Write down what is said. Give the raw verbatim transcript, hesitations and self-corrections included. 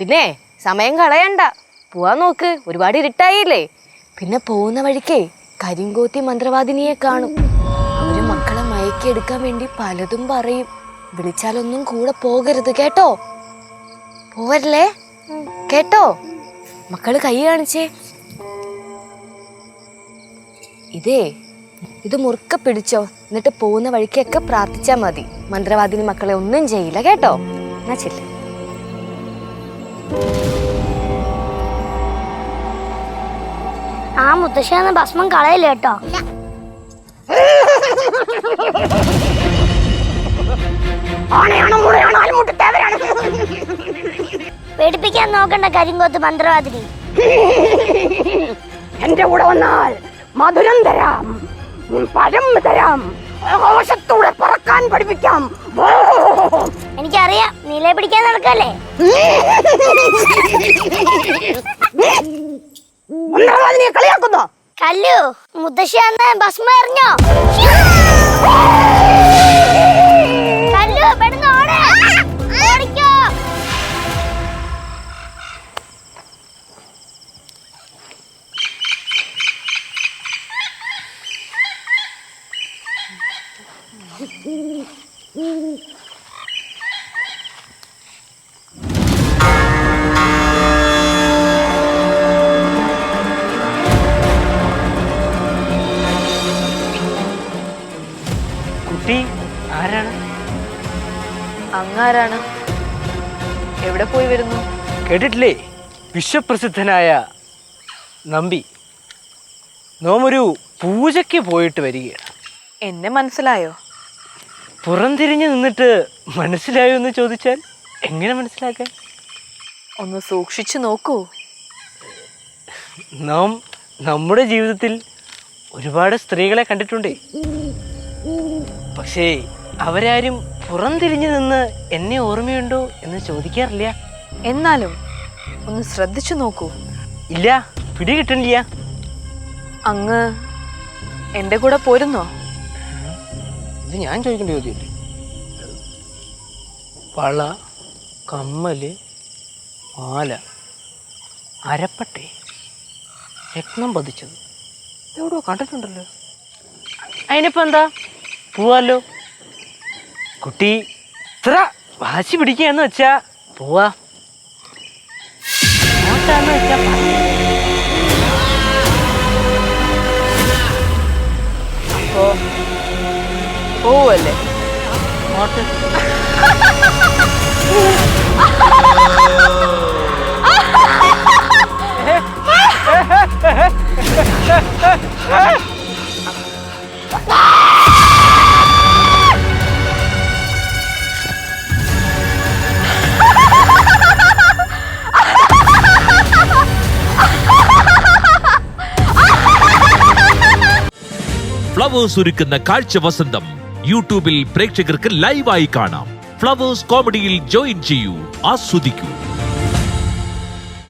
പിന്നെ സമയം കളയണ്ട, പോവാൻ നോക്ക്. ഒരുപാട് ഇരുട്ടായില്ലേ. പിന്നെ പോകുന്ന വഴിക്കേ കരിങ്കോത്തി മന്ത്രവാദിനിയെ കാണും. അവര് മക്കളെ മയക്കിയെടുക്കാൻ വേണ്ടി പലതും പറയും. വിളിച്ചാലൊന്നും കൂടെ പോകരുത് കേട്ടോ. പോവല്ലേ കേട്ടോ? മക്കള് കൈ കാണിച്ചേ. ഇതേ ഇത് മുറുക്ക പിടിച്ചോ. എന്നിട്ട് പോകുന്ന വഴിക്കൊക്കെ പ്രാർത്ഥിച്ചാ മതി. മന്ത്രവാദിനി മക്കളെ ഒന്നും ചെയ്യില്ല കേട്ടോ. എന്നാ ചെല്ല്. ആ മുത്തശ്ശിയെന്ന ഭസ്മം കളയില്ല കേട്ടോ. പേടിപ്പിക്കാൻ നോക്കണ്ട കരിങ്കോത്ത് മന്ത്രവാദിനി. എന്റെ കൂടെ വന്നാൽ മധുരം തരാം, പഴം തരാം, ആകാശത്തൂടെ പറക്കാൻ പഠിപ്പിക്കാം. എനിക്കറിയാം, നീലെ പിടിക്കാൻ നടക്കല്ലേ. കളിയാക്കുന്നോ? കല്ലു, മുത്തശ്ശി അന്ന് ഭസ്മം എറിഞ്ഞോ? കല്ലു, പെട്ടെന്ന് ഓട്. ഓടിക്കോ. കുട്ടി ആരാണ്? അങ്ങാരാണ്? എവിടെ പോയി വരുന്നു? കേട്ടിട്ടില്ലേ? വിശ്വപ്രസിദ്ധനായ നമ്പി നോമൊരു പൂജയ്ക്ക് പോയിട്ട് വരികയാണ്. എന്നെ മനസ്സിലായോ? പുറംതിരിഞ്ഞ് നിന്നിട്ട് മനസ്സിലായോ എന്ന് ചോദിച്ചാൽ എങ്ങനെ മനസ്സിലാക്കാൻ? ഒന്ന് സൂക്ഷിച്ചു നോക്കൂ. നാം നമ്മുടെ ജീവിതത്തിൽ ഒരുപാട് സ്ത്രീകളെ കണ്ടിട്ടുണ്ടേ. പക്ഷേ അവരാരും പുറംതിരിഞ്ഞു നിന്ന് എന്നെ ഓർമ്മയുണ്ടോ എന്ന് ചോദിക്കാറില്ല. എന്നാലും ഒന്ന് ശ്രദ്ധിച്ചു നോക്കൂ. ഇല്ല, പിടി കിട്ടണില്ല. അങ്ങ് എൻ്റെ കൂടെ പോരുന്നോ? ഇത് ഞാൻ ചോദിക്കേണ്ട ചോദ്യമല്ലേ. വള, കമ്മല്, മാല, അരപ്പട്ടെ, രത്നം പതിച്ചത് എവിടെയോ കണ്ടിട്ടുണ്ടല്ലോ. അതിനിപ്പോ എന്താ, പോവാല്ലോ. കുട്ടി ഇത്ര വാശി പിടിക്കുകയെന്ന് വെച്ചാ പോവാ. അങ്ങോട്ടാന്ന് വെച്ചാ അപ്പോ പോവല്ലേ? അങ്ങോട്ട്. ഫ്ലവേഴ്സ് ഒരുക്കുന്ന കാഴ്ച വസന്തം യൂട്യൂബിൽ പ്രേക്ഷകർക്ക് ലൈവായി കാണാം. ഫ്ലവേഴ്സ് കോമഡിയിൽ ജോയിൻ ചെയ്യൂ, ആസ്വദിക്കൂ.